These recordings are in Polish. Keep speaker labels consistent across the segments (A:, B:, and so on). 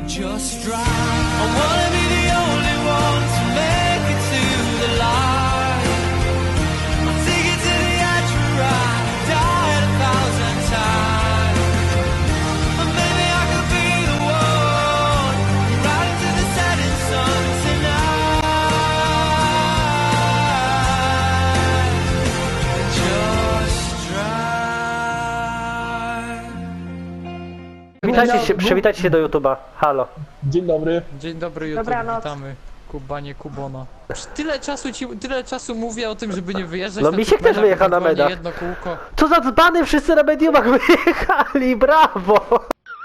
A: Just drive. I wanna be the only one to make it to the light. I'll take it to the edge where I died 1,000 times. And maybe I could be the one right into the setting sun tonight. Just drive.
B: Przywitajcie się do YouTube'a. Halo.
C: Dzień dobry.
D: Dzień dobry YouTube,
E: Dobranoc.
D: witamy. Kubanie Kubona. Tyle czasu mówię o tym, żeby nie wyjeżdżać
B: No
D: na
B: Misiek
D: tych
B: też
D: medach,
B: wyjechał na
D: ewentualnie
B: medach.
D: jedno kółko.
B: Co za dzbany, wszyscy na mediumach wyjechali, brawo!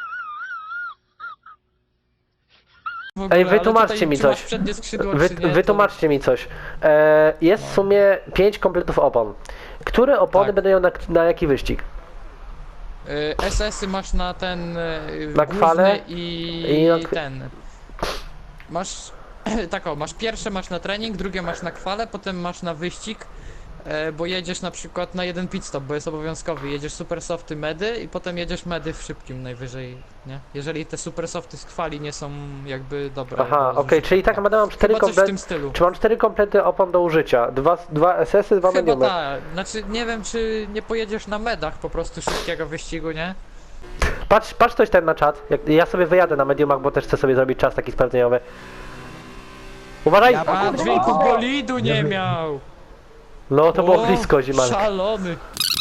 D: W ogóle,
B: Ej,
D: ale
B: wytłumaczcie
D: tutaj,
B: mi
D: czy masz
B: coś.
D: przednie skrzydło, czy nie,
B: Wytłumaczcie mi coś. Jest w sumie 5 kompletów opon. Które opony
D: Tak.
B: będą miał na jaki wyścig?
D: SS-y masz na ten
B: Na kwalę
D: główny i
B: na
D: ten. Masz tak o, masz pierwsze masz na trening, drugie masz na kwalę, potem masz na wyścig, bo jedziesz na przykład na jeden pit stop, bo jest obowiązkowy, jedziesz super softy medy i potem jedziesz medy w szybkim najwyżej, nie? Jeżeli te super softy z kwali nie są jakby dobre.
B: Aha,
D: do
B: okej,
D: zużycia.
B: czyli tak będę mam 4
D: Chyba coś w
B: komplety.
D: tym stylu.
B: Czy mam 4 komplety opon do użycia? Dwa SS-y, 2
D: Chyba
B: mediumy.
D: tak, znaczy nie wiem czy nie pojedziesz na medach po prostu szybkiego wyścigu, nie?
B: Patrz coś ten na czat. Ja sobie wyjadę na mediumach, bo też chcę sobie zrobić czas taki sprawdzeniowy. Uważaj!
D: A dźwięku bolidu nie miał!
B: No to było
D: O,
B: blisko, Zimalek.
D: Szalony!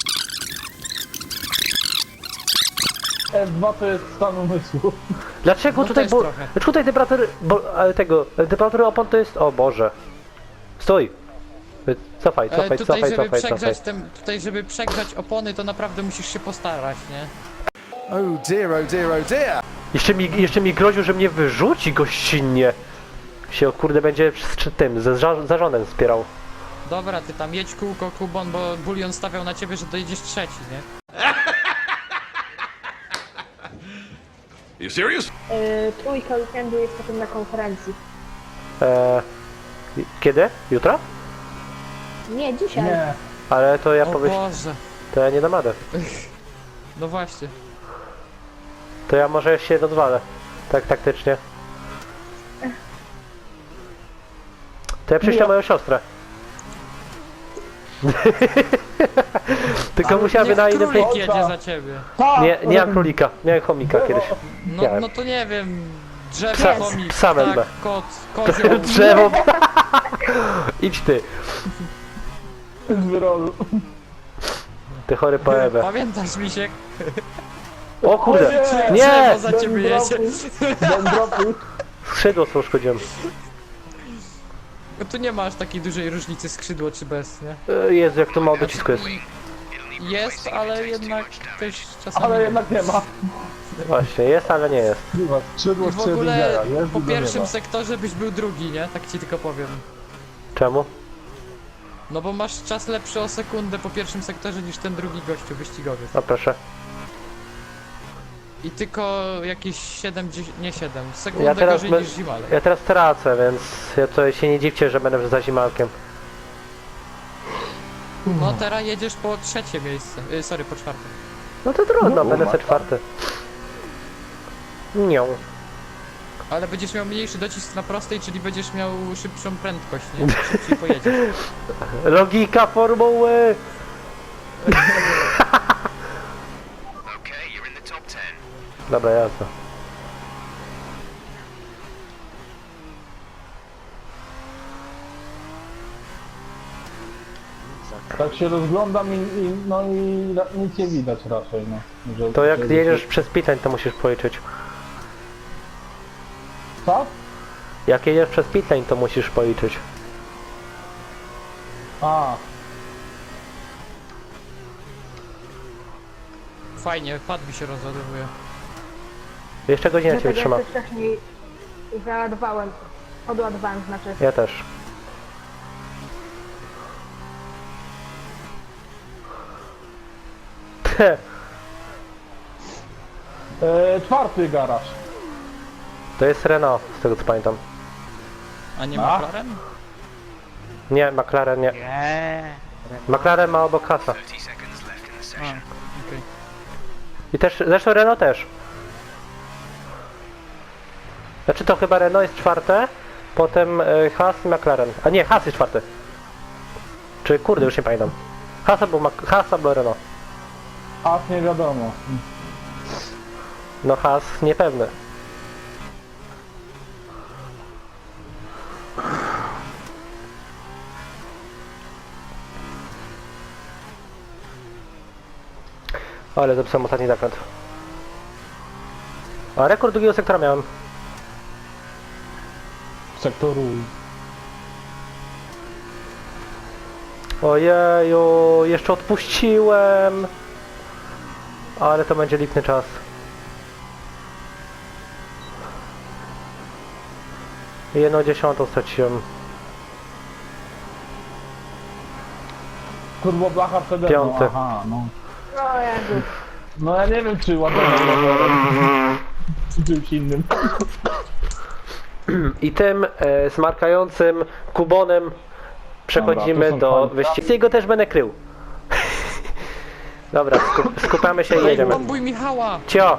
C: F2 to jest stan umysłu.
B: Dlaczego
D: No
B: tutaj,
D: też
B: bo
D: trochę.
B: tutaj temperatury, temperatury opon to jest, o Boże. Stój. Cofaj.
D: Tutaj żeby przegrzać opony to naprawdę musisz się postarać, nie?
A: Oh dear, oh dear, oh dear.
B: Jeszcze mi groził, że mnie wyrzuci gościnnie. Się kurde będzie z tym, ze zarządem wspierał.
D: Dobra, ty tam jedź kółko Kubon, bo Bulion stawiał na ciebie, że dojedziesz trzeci, nie?
F: You serious?
E: Trójka weekendu jest potem na konferencji.
B: Kiedy? Jutro?
E: Nie, dzisiaj.
C: Nie.
B: Ale to ja
D: O
B: powiem,
D: Boże!
B: to ja nie dam radę.
D: No właśnie.
B: To ja może się rozwalę. Tak taktycznie. To ja przyślę moją siostrę. Tylko musiałaby
D: Niech
B: na innym
D: królik
B: plik.
D: jedzie za ciebie.
C: Tak!
B: Nie mam królika. Miałem chomika kiedyś.
D: No,
B: Miałem.
D: no to nie wiem. Drzewo,
B: Psa-
D: chomik,
B: psa
D: tak,
B: wezmę.
D: kot, kozioł.
B: Drzewo. Idź ty.
C: Z wyrolu.
B: Ty chory poebę.
D: Pamiętasz, Misiek?
B: O kurde. Nie!
D: Drzewo za ciebie jedzie.
C: Dendropy.
B: Skrzydło co uszkodziłem.
D: No tu nie ma aż takiej dużej różnicy skrzydło czy bez, nie?
B: Jezu, jak to mało docisku jest.
D: Jest, ale jednak też czasami...
C: Ale jednak nie ma.
B: Właśnie, jest, ale nie jest.
C: Skrzydło
D: I w ogóle
C: jest
D: po
C: i do
D: pierwszym
C: nieba.
D: sektorze byś był drugi, nie? Tak ci tylko powiem.
B: Czemu?
D: No bo masz czas lepszy o sekundę po pierwszym sektorze niż ten drugi gościu wyścigowy.
B: No proszę.
D: I tylko jakieś 7, nie 7,
B: Ja
D: sekundę
B: teraz,
D: gorzej niż Zimalek.
B: ja teraz tracę, więc ja to się nie dziwcie, że będę za Zimalkiem.
D: No teraz jedziesz po trzecie miejsce, sorry, po czwarte.
B: No to trudno, będę se czwarty. Nią.
D: Ale będziesz miał mniejszy docisk na prostej, czyli będziesz miał szybszą prędkość, nie? Szybciej pojedziesz.
B: Logika formuły!
F: Okay, you're in the top 10.
B: Dobra, jasno.
C: Tak się rozglądam i nic nie widać raczej, no. Że-
B: To jak
C: że-
B: jedziesz przez pitań, to musisz policzyć.
C: Co?
B: Jak jedziesz przez pitlane, to musisz policzyć.
C: A,
D: Fajnie, pad mi się rozładowuje.
B: Jeszcze godzinę cię
E: Dlatego
B: wytrzyma.
E: ja też wcześniej załadowałem. Odładowałem, znaczy.
B: Ja też.
C: czwarty garaż.
B: To jest Renault, z tego co pamiętam.
D: A nie
C: A?
D: McLaren?
B: Nie, McLaren nie. McLaren ma obok Hasa.
F: 30 seconds left in the
D: A,
F: session.
D: okej.
B: I też, zresztą Renault też. Znaczy to chyba Renault jest czwarte, potem Haas i McLaren. A nie, Haas jest czwarty. Czy kurde, już nie pamiętam. Haas albo Renault.
C: A nie wiadomo.
B: No Haas niepewny. Ale zepsułem ostatni zakręt. A rekord drugiego sektora miałem.
C: Sektoru.
B: Ojeju, jeszcze odpuściłem. Ale to będzie lipny czas. Jedną dziesiątą straciłem.
C: Turbo blacha przede mną.
B: Piąty.
C: Aha, no.
E: O Jezu.
C: No ja nie wiem czy ładować rowerem. Czy czymś innym.
B: I tym smarkającym kubonem przechodzimy
C: Dobra, to są
B: do
C: fajne.
B: wyścigu. Jego też będę krył. Dobra, skupiamy się i
D: Ej,
B: jedziemy.
D: bombuj Michała!
B: Cio!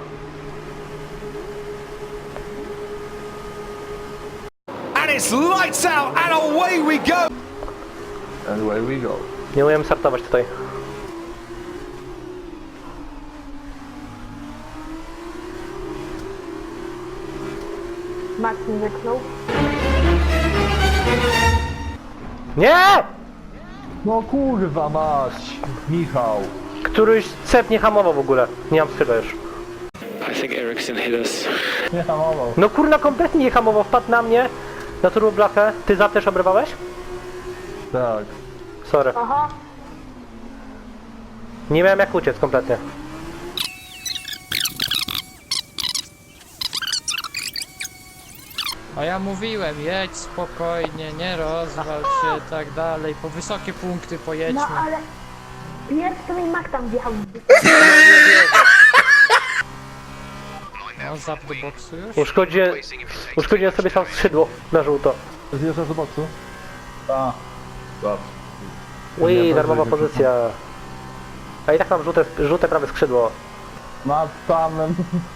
A: And it's lights out and away we go.
C: And away we go.
B: Nie umiem startować tutaj.
E: Max mi wyknął.
B: Nie!
C: No kurwa mać. Michał.
B: Któryś cep nie hamował w ogóle. Nie mam skrzydła już.
G: I think Ericsson hit us.
C: Nie hamował.
B: No kurna, kompletnie nie hamował. Wpadł na mnie, na turboblachę. Ty zap też obrywałeś?
C: Tak.
B: Sorry.
E: Aha.
B: Nie miałem jak uciec kompletnie.
D: A ja mówiłem, jedź spokojnie, nie rozwal się, tak dalej, po wysokie punkty pojedźmy.
E: No ale... Pierwszy to mi Max tam wjechał.
D: No, zap do boksu już.
B: Uszkodziłem sobie sam skrzydło na żółto.
C: Zjeżdżasz do boksu? Tak. Tak.
B: Ui,
C: Nie,
B: darmowa
C: dobrze,
B: pozycja. A i tak mam żółte prawe skrzydło.
C: Nad samym.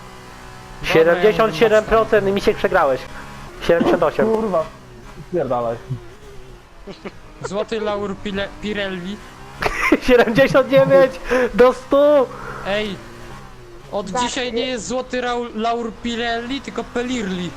B: 77% i mi się przegrałeś. 78.
C: Kurwa. Spierdalaj.
D: Złoty laur Pirelli.
B: 79 do 100.
D: Ej, od dzisiaj nie jest złoty laur Pirelli, tylko Pelirli.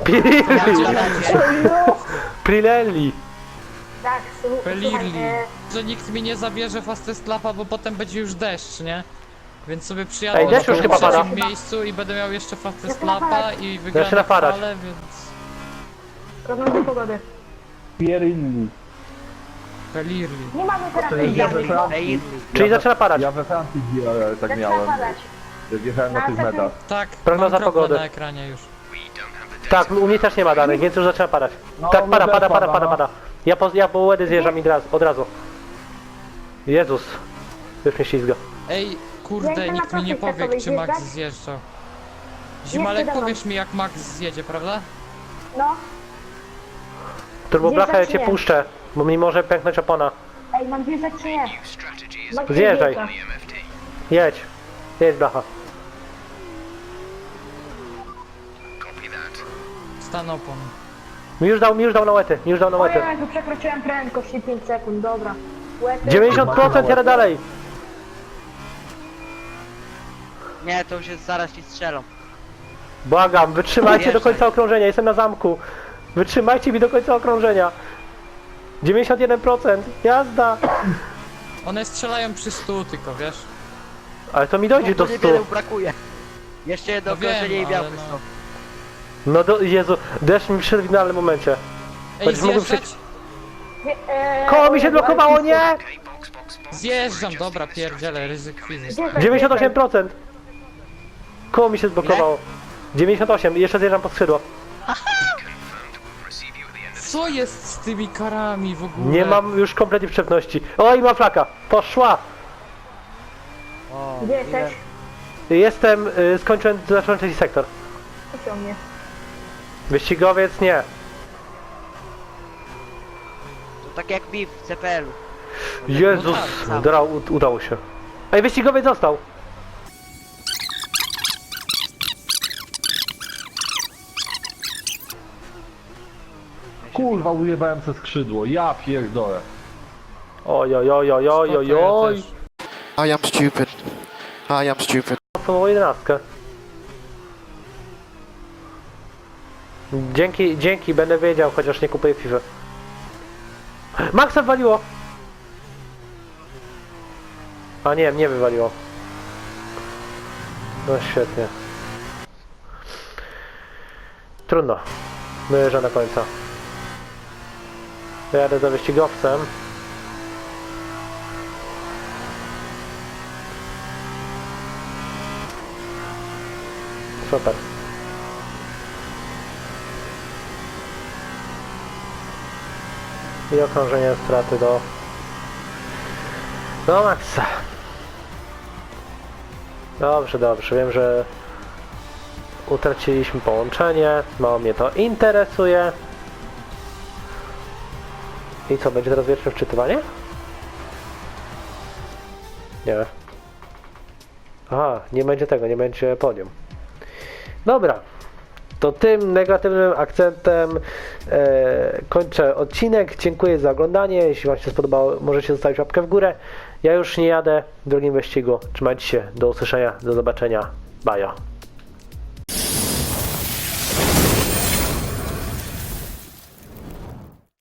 B: Pirelli.
E: Tak, słuchaj,
D: Pelirli. Że nikt mi nie zabierze fastest lapa, bo potem będzie już deszcz, nie? Więc sobie przyjadę
B: Ej, deszcz już chyba pada.
D: trzecim miejscu i będę miał jeszcze fastest
E: Zaczyna
D: lapa
E: padać.
D: i
B: Zaczyna
D: wygram
B: padać.
D: falę, więc...
E: prognozy pogody.
C: Pierilli.
D: Pelirli.
E: Nie mamy teraz
C: Ja we Francji.
B: Czyli zaczyna padać.
C: Ja we Francji tak
E: Zaczyna
C: miałem.
E: padać.
C: Jak jechałem na tych metach.
D: Tak,
B: Prognoza
D: mam kropkę
B: pogody.
D: na ekranie już.
B: Tak, u mnie też nie ma danych, więc już zaczyna padać.
C: No,
B: Tak,
C: u mnie też pada,
B: pada. Ja po łedy zjeżdżam od razu. Jezus. Już mnie ślizga.
D: Ej,
E: Ja
D: kurde,
E: jestem
D: nikt
E: na
D: mi nie
E: prostej
D: powie, czy
E: testowej
D: Max
E: zjeżdżać.
D: zjeżdżał. Zimalek,
E: Jeszcze
D: powiesz mi, jak Max zjedzie, prawda?
E: No.
B: Turboblachę ja
E: Zjeżdżać
B: cię
E: nie.
B: puszczę, bo mi może pęknąć opona.
E: Ej, mam wjeżdżać czy nie?
F: Strategy is
E: Max
B: Zjeżdżaj.
E: wjeżdża.
F: EMFD.
B: Jedź. Jedź blacha.
F: Copy that.
D: Stan opon.
B: Mi już dał na łety,
E: O Jezu, przekroczyłem prędkość i 5 sekund, dobra. Łety.
B: 90% jadę dalej.
H: Nie, to już jest zaraz ci strzelą.
B: Błagam, wytrzymajcie do
H: Wjeżdżaj.
B: końca okrążenia, jestem na zamku. Wytrzymajcie mi do końca okrążenia. 91%, jazda.
D: One strzelają przy 100 tylko, wiesz?
B: Ale to mi dojdzie do
H: Tu
B: 100.
H: niewiele brakuje. Jeszcze jedno
D: No wiem,
H: okrążenie i
D: ale
H: białky
D: no.
H: są.
B: No do, Jezu, deszcz mi przyszedł w idealnym momencie.
D: Ej,
B: Będziesz mógł
D: zjeżdżać?
B: Koło mi się blokowało, nie!
F: Okay, box, box, box.
D: Zjeżdżam, dobra, pierdzielę, ryzyk fizyki.
B: 98%. Koło mi się zblokowało. 98, jeszcze zjeżdżam po skrzydło.
F: Receive you at the end of
D: Co jest z tymi karami w ogóle?
B: Nie mam już kompletnie przepności. Oj, ma flaka, poszła.
H: O,
E: Gdzie jesteś?
B: Jestem, zacząłem trzeci sektor.
E: Puszczą mnie.
B: Wyścigowiec nie.
H: To tak jak mi w CPL-u.
B: Jezus,
D: tak,
B: dobra, udało się. Ej, wyścigowiec został.
C: Kurwa, ujebałem ze skrzydło, ja pierdolę.
B: Oj, oj, oj, oj, oj, oj,
D: Spoko,
B: oj.
D: ja też.
I: I am stupid. I am stupid.
B: Mocną 11. Dzięki, będę wiedział, chociaż nie kupuję FIFA. Maxa wywaliło! A nie, mnie wywaliło. No świetnie. Trudno. Dojeżdżam do końca. Jadę za wyścigowcem. Super. I okrążenie straty do maksa. Dobrze, dobrze. Wiem, że utraciliśmy połączenie. Mało mnie to interesuje. I co, będzie teraz wieczne wczytywanie? Nie. Aha, nie będzie tego, nie będzie podium. Dobra. To tym negatywnym akcentem kończę odcinek. Dziękuję za oglądanie. Jeśli Wam się spodobało, możecie zostawić łapkę w górę. Ja już nie jadę w drugim wyścigu. Trzymajcie się. Do usłyszenia. Do zobaczenia. Bajo.